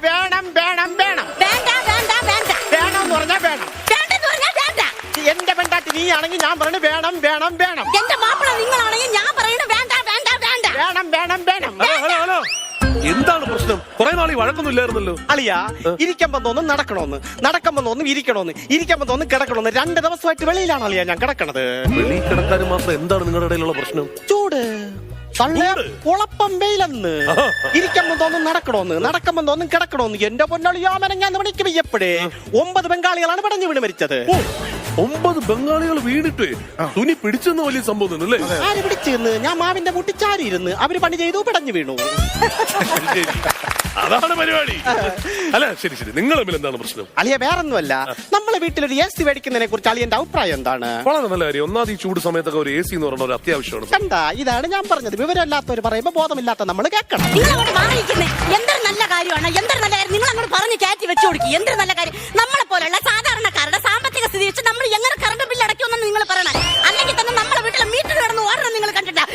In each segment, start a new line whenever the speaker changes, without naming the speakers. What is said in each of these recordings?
വേണം വേണം വേണം
വേണ്ട വേണ്ട വേണ്ട
വേണം എന്ന് പറഞ്ഞാൽ വേണം.
വേണ്ടെന്ന് പറഞ്ഞാൽ വേണ്ട.
എന്റെ പെണ്ടാട്ടി നീ ആണെങ്കിൽ ഞാൻ പറഞ്ഞു വേണം വേണം വേണം.
എന്റെ മാപ്പിള നിങ്ങളാണെങ്കിൽ ഞാൻ പറയുന്നത് വേണ്ട വേണ്ട വേണ്ട.
വേണം വേണം വേണം.
ഹലോ എന്താണ് പ്രശ്നം? കുറെ നാളീ വഴക്കൊന്നും ഇല്ലായിരുന്നല്ലോ.
അളിയാ, ഇരിക്കുമ്പോ തോന്നും നടക്കണോന്ന്, നടക്കുമ്പോ തോന്നും ഇരിക്കണോന്ന്, ഇരിക്കുമ്പോ തോന്നും കിടക്കണോന്ന്. 2 ദിവസമായിട്ട് വെളിയിലാണ് അളിയാ ഞാൻ കിടക്കണത്.
വെളിയിൽ കിടക്കാനും മാത്രം എന്താണ് നിങ്ങളുടെ ഇടയിലുള്ള പ്രശ്നം?
ചൂട് കുളപ്പം വെയിലെന്ന്. ഇരിക്കുമ്പോ തോന്നും നടക്കണോന്ന്, നടക്കുമ്പോ തോന്നും കിടക്കണോന്ന്. എന്റെ പൊന്നളിയാമനങ്ങാന്ന് മണിക്ക് വയ്യപ്പോഴേ 9 ബംഗാളികളാണ് പടഞ്ഞു വീണ് മരിച്ചത്.
9 ബംഗാളികൾ വീണിട്ട് തുണി പിടിച്ചെന്ന് വലിയ സംഭവം അല്ലേ?
ആര് പിടിച്ചെന്ന്? ഞാൻ മാവിന്റെ മുട്ടി ചാരിയിരുന്ന് അവര് പണി ചെയ്തു പിടഞ്ഞു വീണു.
അതാണ് പരിപാടി. അല്ല ശരി ശരി, നിങ്ങൾ തമ്മിൽ എന്താണ് പ്രശ്നം?
അളിയ വേറൊന്നുമല്ല, നമ്മളെ വീട്ടിലൊരു AC മേടിക്കുന്നതിനെ കുറിച്ച് അളിയന്റെ അഭിപ്രായം എന്താണ്?
വളരെ നല്ല കാര്യം. ഒന്നാമത് ഈ ചൂട് സമയത്തൊക്കെ ഒരു AC എന്ന് പറയുന്ന ഒരു അത്യാവശ്യമാണ്.
കണ്ടാ, ഇതാണ് ഞാൻ പറഞ്ഞത്. വിവരമില്ലാത്തവർ പറയുമ്പോ ബോധമില്ലാത്ത നമ്മൾ കേൾക്കണം.
നിങ്ങൾ അങ്ങോട്ട് മാറിയിരിക്കുന്നേ എന്തൊരു നല്ല കാര്യമാണ്, എന്തൊരു നല്ല കാര്യം. നിങ്ങൾ അങ്ങോട്ട് പറഞ്ഞ് കയറ്റി വെച്ചു കൊടുക്കി. എന്തൊരു നല്ല കാര്യം. നമ്മളെ പോലെയുള്ള സാധാരണക്കാരുടെ സാമ്പത്തിക സ്ഥിതി വെച്ച് നമ്മൾ എങ്ങനെ കറണ്ട് ബില്ല് അടയ്ക്കുമെന്ന് നിങ്ങൾ പറയണം. അല്ലെങ്കിൽ തന്നെ നമ്മളെ വീട്ടിലെ മീറ്റർ കിടന്ന് ഓടണം. നിങ്ങൾ കണ്ടിട്ടാ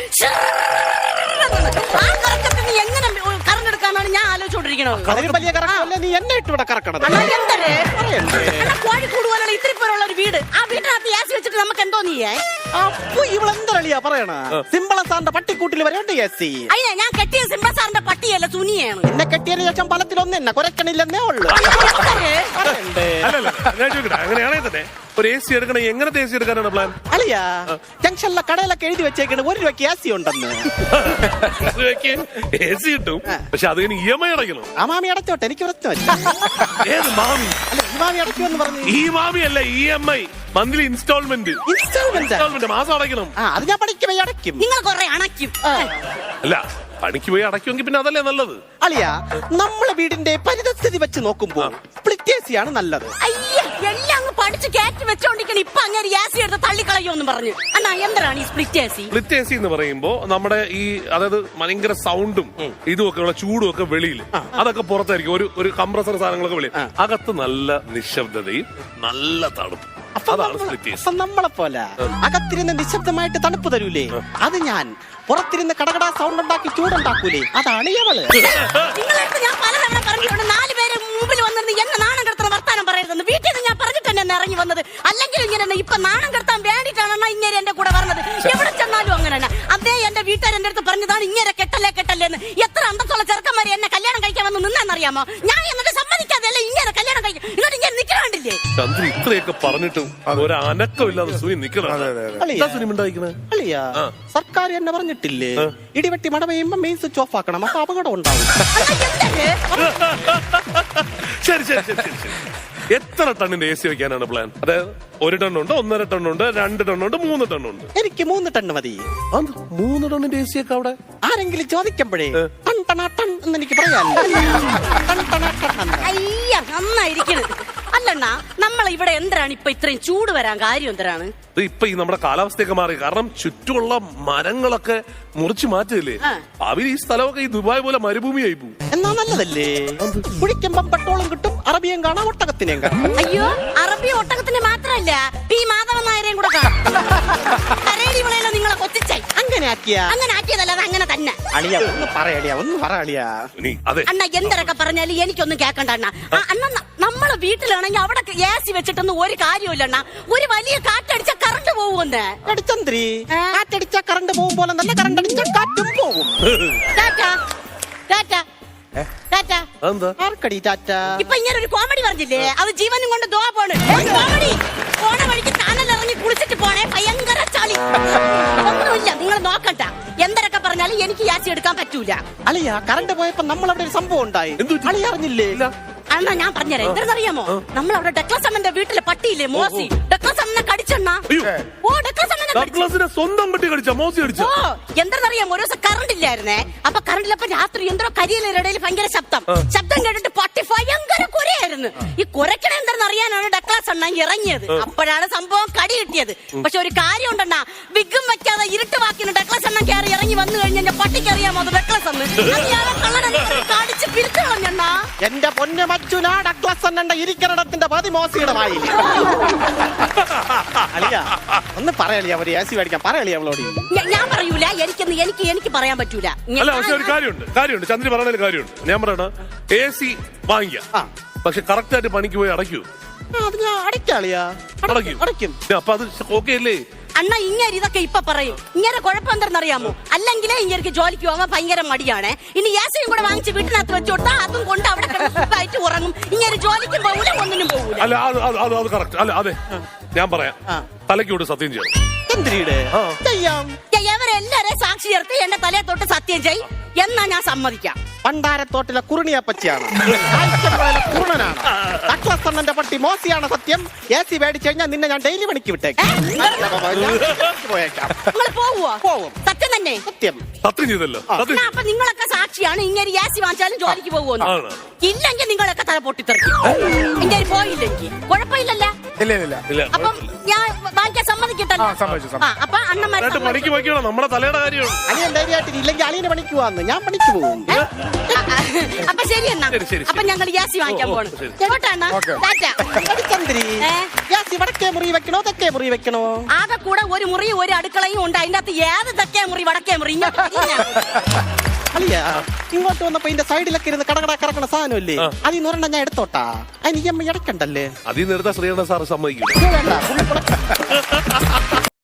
ആ കറക്കത്തിന് എങ്ങനെ കറണ്ട് എടുക്കാനാണ് ഞാൻ ആലോചിച്ചോണ്ടിരിക്കണത്.
അതിന് വലിയ കറക്കമല്ലേ നീ എന്നെ ഇട്ട് ഇവിടെ കറക്കണത്.
കോഴിക്കൂട് പോലുള്ള ഇത്തിരി പോലുള്ള ഒരു വീട്, ആ വീട്ടിനകത്ത് AC വെച്ചിട്ട് നമുക്ക് എന്തോ നീയേ.
അപ്പൊ ഇവളെന്തളിയാ പറയണ? സിമ്പിള സാറിന്റെ പട്ടിക്കൂട്ടിൽ വരെയുണ്ട് AC.
അതിനാ ഞാൻ കെട്ടിയ സിംബ സാറിന്റെ പട്ടിയല്ല, സുനിയാണ്.
എന്നെ കെട്ടിയതിന് ശേഷം പലത്തിലൊന്നും എന്നെ കുരക്കണില്ലെന്നേ ഉള്ളു.
അല്ലല്ല ഞാൻ ചോദിക്കട്ടെ, അങ്ങനെയാണെങ്കിൽ തന്നെ ഒരു AC എടുക്കണേ എങ്ങനത്തെ AC എടുക്കാനാണ് പ്ലാൻ?
അളിയാ, ജംഗ്ഷനിലെ കടയിലൊക്കെ എഴുതി വെച്ചേക്കണ് 1 രൂപയ്ക്ക് AC ഉണ്ടെന്ന്.
AC കിട്ടും, പക്ഷെ അത് EMI അടയ്ക്കണം.
ആ മാമി അടച്ചോട്ടെ, എനിക്ക് പ്രശ്നമല്ല.
ഏത് മാമി?
അല്ല, ഈ മാമി അടയ്ക്കുമെന്ന് പറഞ്ഞു.
ഈ മാമി അല്ല, EMI മന്ത്ലി ഇൻസ്റ്റാൾമെന്റ്. മാസം അടയ്ക്കണം.
അത് ഞാൻ പഠിക്കുമ്പോ അടയ്ക്കും.
നിങ്ങൾ കുറെ അണയ്ക്കും.
അല്ല, പണിക്ക് പോയി അടയ്ക്കുമെങ്കിൽ പിന്നെ അതല്ലേ നല്ലത്.
അളിയാ, നമ്മളെ വീടിന്റെ പരിതസ്ഥിതി വെച്ച് നോക്കുമ്പോ സ്പ്ലിറ്റ് AC ആണ് നല്ലത്.
അയ്യ, എല്ലാം അങ്ങ് പഠിച്ച് കയറ്റി വെച്ചോണ്ടിരിക്കണം. ഇപ്പൊ അങ്ങനെ AC എടുത്ത് തള്ളിക്കളയോന്ന് പറഞ്ഞു. അണ്ണാ എന്താണ് ഈ സ്പ്ലിറ്റ് AC?
സ്പ്ലിറ്റ് AC എന്ന് പറയുമ്പോ നമ്മുടെ ഈ അതായത് ഭയങ്കര സൗണ്ടും ഇതും ഒക്കെ ഉള്ള ചൂടും ഒക്കെ വെളിയിൽ, അതൊക്കെ പുറത്തായിരിക്കും. ഒരു കംപ്രസർ സാധനങ്ങളൊക്കെ വെളിയിൽ, അകത്ത് നല്ല നിശബ്ദതയും നല്ല തണുപ്പ്. അതാണ് സ്പ്ലിറ്റ് AC.
നമ്മളെ പോലെ അകത്തിരുന്ന് നിശബ്ദമായിട്ട് തണുപ്പ് തരൂലേ, അത് ഞാൻ. പുറത്തിരുന്ന് കടകട സൗണ്ട് ഉണ്ടാക്കി ചൂടുണ്ടാക്കൂലേ, അതാണ് ഇവള്.
നിങ്ങളടുത്ത് ഞാൻ പലതവണ പറഞ്ഞിട്ടുണ്ട് 4 പേര് മുമ്പിൽ വന്നിരുന്ന് എന്നെ നാണം കെടുത്തുന്ന വർത്താനം പറയരുതെന്ന്. വീട്ടിൽ നിന്ന് ഞാൻ പറഞ്ഞിട്ട് തന്നെ ഇറങ്ങി വന്നത്. അല്ലെങ്കിൽ ഇങ്ങനെ ഇപ്പൊ നാണം കെടുത്താൻ വേണ്ടിയിട്ടാണ് ഇങ്ങനെ എന്റെ കൂടെ പറഞ്ഞത്. എവിടെ ചെന്നാലും അങ്ങനെ തന്നെ. അതേ എന്റെ വീട്ടുകാർ എന്റെ അടുത്ത് പറഞ്ഞതാണ് ഇങ്ങനെ കെട്ടല്ലേ കെട്ടല്ലേന്ന്. എത്ര അന്തസ്സുള്ള ചെറുക്കന്മാരെ എന്നെ കല്യാണം കഴിക്കാൻ വന്ന് നിന്നാന്നറിയാമോ? ഞാൻ എന്നിട്ട് സമ്മതിക്കാതെയല്ലേ ഇങ്ങനെ കല്യാണം കഴിക്കും. എന്നിട്ട് ഇങ്ങനെ നിൽക്കണ്ടില്ലേ?
ചന്ദ്ര ഇത്രയൊക്കെ പറഞ്ഞിട്ടും ഒരു അനക്കമില്ലാതെ സുനി നിക്കണം.
അളിയാ, സർക്കാർ എന്നെ പറഞ്ഞിട്ടില്ലേ, ഇടിവെട്ടി മഴ പെയ്യുമ്പോ മെയിൻ സ്വിച്ച് ഓഫ് ആക്കണം, അപ്പൊ അപകടം ഉണ്ടാവും.
ശരി ശരി ശരി ശരി ശരി. എത്ര ടണ്ണിന്റെ AC വെക്കാനാണ് പ്ലാൻ? അതായത് 1 ടണ്ണുണ്ട്, 1.5 ടണ്ണുണ്ട്, 2 ടണ്ണുണ്ട്, 3 ടണ്ണുണ്ട്.
എനിക്ക് 3 ടണ്ണ് മതി.
3 ടണ്ണിന്റെ AC ഒക്കെ അവിടെ
ആരെങ്കിലും ചോദിക്കുമ്പോഴേ ടൺ ടണ ടൺ എന്ന് എനിക്ക് പറയാൻ.
അയ്യ, നന്നായിരിക്കണ്. അല്ലണ്ണാ, നമ്മൾ ഇവിടെ എന്തിനാണ് ഇപ്പൊ ഇത്രയും ചൂട് വരാൻ കാര്യം എന്തിനാണ്?
ഇപ്പൊ ഈ നമ്മുടെ കാലാവസ്ഥയൊക്കെ മാറി. കാരണം ചുറ്റുമുള്ള മരങ്ങളൊക്കെ മുറിച്ചു മാറ്റില്ലേ, അവർ ഈ സ്ഥലമൊക്കെ ഈ ദുബായ് പോലെ മരുഭൂമിയായി പോകും.
എന്നാ നല്ലതല്ലേ? കുടിക്കുമ്പം പെട്രോളും കിട്ടും, അറബിയും കാണാം, ഒട്ടകത്തിനെയും കാണാം.
അയ്യോ, അറബി ഒട്ടകത്തിന് മാത്രല്ല, ഈ മാധവൻ നായരെയും കൂടെ കാണാം. കരേടി വിളയല്ലോ നിങ്ങളെ കൊച്ചിച്ചായി.
അങ്ങനെ
ആക്കിയതല്ല, അത് അങ്ങനെ തന്നെ.
അളിയ ഒന്ന് പറയളിയാ, ഒന്ന് പറയളിയാ.
അണ്ണ എന്തൊക്കെ പറഞ്ഞാലും എനിക്കൊന്നും കേക്കണ്ട അണ്ണ. അണ്ണ നമ്മളെ വീട്ടിലാണെങ്കിൽ അവിടെ AC വെച്ചിട്ടൊന്നും ഒരു കാര്യമില്ല അണ്ണ. ഒരു വലിയ കാറ്റടിച്ച കറണ്ട് പോകുമെന്ന്.
ചന്ദ്രി, കാറ്റടിച്ച കറണ്ട് പോകും പോലെ നല്ല കറണ്ട് അടിച്ച കാറ്റും പോകും. ആർക്കടി ടാറ്റ?
ഇപ്പൊ ഇങ്ങനെ ഒരു കോമഡി പറഞ്ഞില്ലേ, അത് ജീവനും കൊണ്ട് ദോ പോണ്. കോമഡി പോണ വഴിക്ക് ചാനലിറങ്ങി കുളിച്ചിട്ട് പോണേ, ഭയങ്കര ചളി. ഒന്നുമില്ല, നിങ്ങൾ നോക്കണ്ട. എന്തൊക്കെ പറഞ്ഞാലും എനിക്ക് AC എടുക്കാൻ പറ്റൂല.
അളിയ, കറണ്ട് പോയപ്പോ നമ്മളവിടെ ഒരു സംഭവം ഉണ്ടായി. അളിയ അറിഞ്ഞില്ലേ?
അണ്ണാ ഞാൻ പറഞ്ഞുതരാം. എന്തെന്നറിയാമോ? നമ്മളവിടെ ഡെക്ലസമ്മന്റെ വീട്ടിലെ പട്ടിയില്ലേ മോസി, ഡെക്ലസമ്മനെ കടിച്ചെണ്ണ. ഓ, ഡെക്ലസമ്മനെ
സ്വന്തം പട്ടി കടിച്ച, മോസി കടിച്ച.
ഓ, എന്തെന്നറിയാമോ? ഒരു ദിവസം കറണ്ട് ഇല്ലായിരുന്നേ. അപ്പൊ കറണ്ടിലപ്പോ രാത്രി എന്തോ കരിയിലിടയിൽ ഭയങ്കര ശബ്ദം കേട്ടിട്ട് പട്ടി ഭയങ്കര കുരയായിരുന്നു. ഈ കുരക്കണ എന്തെന്നറിയാനാണ് ഡെക്ലസണ്ണ ഇറങ്ങിയത്. അപ്പോഴാണ് സംഭവം കടി കിട്ടിയത്. പക്ഷെ ഒരു കാര്യം ഉണ്ടെണ്ണ, വിഗും വെക്കാതെ ഇരുട്ടുവാക്കിന് ഡെക്ലസണ്ണ കയറി ഇറങ്ങി വന്നു കഴിഞ്ഞാൽ എന്റെ പട്ടിക്ക് അറിയാമോ അത് ഡെക്ലസന്ന്. കള്ളനെ കടിച്ച് പിരിച്ചു കളഞ്ഞണ്ണ.
എന്റെ പൊന്നു മച്ചുനാ ഡഗ്ലസ് അണ്ണന്റെ ഇരിക്കണത്തിന്റെ പതി മോസിയുടെ വായിൽ. അളിയ ഒന്ന് പറയളിയ ഒരു AC മേടിക്കാൻ പറയളിയ അവളോട്.
ഞാൻ പറയൂല, എനിക്ക് പറയാൻ പറ്റൂല.
അല്ല പക്ഷെ ഒരു കാര്യമുണ്ട് ചന്ദ്രി പറഞ്ഞതിൽ കാര്യമുണ്ട്. ഞാൻ പറയണ AC വാങ്ങിക്കാം, പക്ഷെ കറക്റ്റ് ആയിട്ട് പണിക്ക് പോയി അടയ്ക്കൂ.
അത് ഞാൻ അടയ്ക്കാളിയാ, അടയ്ക്കും.
അപ്പൊ അത് ഓക്കെ അല്ലേ?
അണ്ണ ഇങ്ങനെ ഇതൊക്കെ ഇപ്പൊ പറയും. ഇങ്ങനെ കുഴപ്പം എന്തെന്നറിയാമോ? അല്ലെങ്കിലേ ഇങ്ങനെ ജോലിക്ക് പോകാൻ ഭയങ്കര മടിയാണ്. ഇനി യാസയും കൂടെ വാങ്ങിച്ച് വീട്ടിനകത്ത് വെച്ച് കൊടുത്താൽ അതും കൊണ്ട് അവിടെ കിടന്നിട്ട് ഉറങ്ങും. ഇങ്ങനെ ജോലിക്കും പോകൂല, ഒന്നിനും പോകൂല.
അല്ല അത് കറക്റ്റ്. അല്ല അതെ, ഞാൻ പറയാം, തലയ്ക്കോട് സത്യം ചെയ്യണം.
എന്തിനീടെ ചെയ്യാം.
ഇവരെല്ലാരെയും സാക്ഷി ചേർത്ത് എന്റെ തലയെ തൊട്ട് സത്യം ചെയ് എന്നാ ഞാൻ സമ്മതിക്കാം.
പണ്ടാരത്തോട്ടിലെ കുറുണിയപ്പച്ചിയാണ്, കുറുണനാണ്. ഡഗ്ലസ് അണ്ണന്റെ പട്ടി മോസിയാണ് സത്യം. AC മേടിച്ചു കഴിഞ്ഞാൽ നിന്നെ ഞാൻ ഡെയിലി പണിക്ക് വിട്ടേക്കാം. പോയേക്കാം.
നിങ്ങൾ പോവുവോ?
പോവും.
സത്യം തന്നെ?
സത്യം.
സത്യം ചെയ്തല്ലോ.
എന്നാ അപ്പൊ നിങ്ങളൊക്കെ സാക്ഷിയാണ്. ഇങ്ങനെ യാസി വാങ്ങിച്ചാലും ജോലിക്ക് പോകുമെന്ന്. ഇല്ലെങ്കിൽ നിങ്ങളൊക്കെ തല പൊട്ടിത്തെറിക്കും. ഇങ്ങനെ പോയില്ലെങ്കിൽ കുഴപ്പമില്ലല്ല.
ഇല്ല.
അപ്പം ഞാൻ വാങ്ങിക്കാൻ സമ്മതിക്കട്ടല്ലോ. അപ്പൊ അണ്ണന്മാരെ
പണിക്ക് വയ്ക്കണം, നമ്മുടെ തലയുടെ കാര്യമാണ്.
അളിയൻ ധൈര്യമായിട്ട് ഇല്ലെങ്കിൽ അളിയനെ പണിക്ക് പോവാന്ന്. ഞാൻ പണിക്ക് പോകും.
അപ്പൊ ശരി എന്നാ. അപ്പൊ ഞങ്ങൾ യാസി വാങ്ങിക്കാൻ പോണം.
ചന്ദ്രി, യാസി വടക്കേ മുറി വെക്കണോ തെക്കേ മുറി വെക്കണോ?
ആകെ കൂടെ ഒരു മുറിയും ഒരു അടുക്കളയും ഉണ്ട്. അതിന്റെ അകത്ത് ഏത് തെക്കേ മുറി വടക്കേ മുറി?
അളിയ ഇങ്ങോട്ട് വന്നപ്പോ ഇതിന്റെ സൈഡിലൊക്കെ ഇരുന്ന് കടകട കറക്കണ സാധനമല്ലേ, അതിൽ നിന്ന് ഒരെണ്ണം ഞാൻ എടുത്തോട്ടാ. അതിന് EMI അടക്കണ്ടല്ലേ?
അതിൽ നിർത്താൻ ശ്രീകണ്ഠ സാറ് സമ്മതിക്കും.
വേണ്ട.